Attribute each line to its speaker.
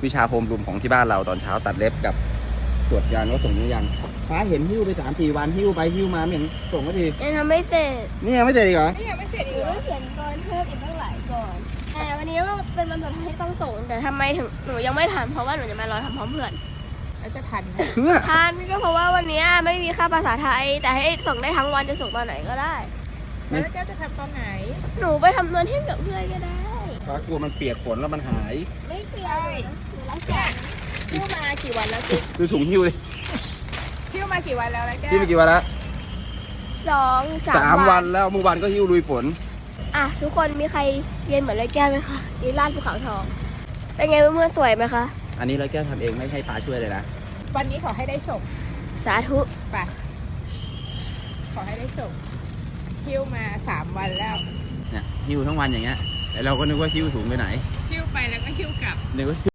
Speaker 1: วิชาโฮมรูมของที่บ้านเราตอนเช้าตัดเล็บกับตรวจยานว่าส่งหรือยังฟ้าเห็นหิ้วไป3-4 วันหิ้วไปหิ้วมาไม่เห็นส่งก็ที
Speaker 2: ยังทำไม่เสร็จ
Speaker 1: นี่ยังไม่เสร็จอีกเหรอ
Speaker 3: นี่ยังไม่เสร็จ
Speaker 2: ห
Speaker 3: อี
Speaker 2: นู
Speaker 3: กเหรอ
Speaker 2: ต้องเขียนก่อนเพิ่มอีกตั้งหลายก่อน แต่วันนี้ก็เป็นวันสุดท้ายที่ต้องส่ง แต่ทำไมถึงหนูยังไม่ทันเพราะว่าหนูจะมารอทำพร้อมเพื่อน
Speaker 3: แล้วจะทันไหม
Speaker 1: เพื่อ
Speaker 2: ทันก็เพราะว่าวันนี้ไม่มีค่าภาษาไทย แต่ให้ส่งได้ทั้งวันจะส่งตอนไหนก็ได้
Speaker 3: แล้วแก้วจะทำตอนไหน
Speaker 2: หนูไปทำนวนเที่ยงกับเพื่อนก็ได้
Speaker 1: ฟ้ากลัวมันเปียกฝนแล้วมันหาย
Speaker 2: ไม่เปลี่ยนหนูรักษา
Speaker 3: หิ้วมากี่วันแล้วกิ๊ก
Speaker 1: ดูถุงหิ้วดิ
Speaker 3: หิ้วมากี่วันแล้วนะแก้ว
Speaker 1: หิ้วไปกี่วันแล้ว
Speaker 2: 2-3
Speaker 1: 3 วันแล้วเมื่อวานก็หิ้วลุยฝน
Speaker 2: อ่ะทุกคนมีใครเรียนเหมือนไรแก้วไหมคะนี่ลาดภูเขาทอง เป็นไงเพื่อนๆสวยไหมคะ
Speaker 1: อันนี้เราแก้ทำเองไม่ให้ป้าช่วยเลยนะ
Speaker 3: วันนี้ขอให้ได้ส่ง
Speaker 2: สาธุ
Speaker 3: ไปขอให้ได้ส่งหิ้วมา3 วันแล้ว
Speaker 1: เนี่ยหิ้วทั้งวันอย่างเงี้ยแต่เราก็นึกว่าหิ้วถุงไปไหน
Speaker 3: หิ้วไปแล้วก็หิ้วกลับ
Speaker 1: นึกว่า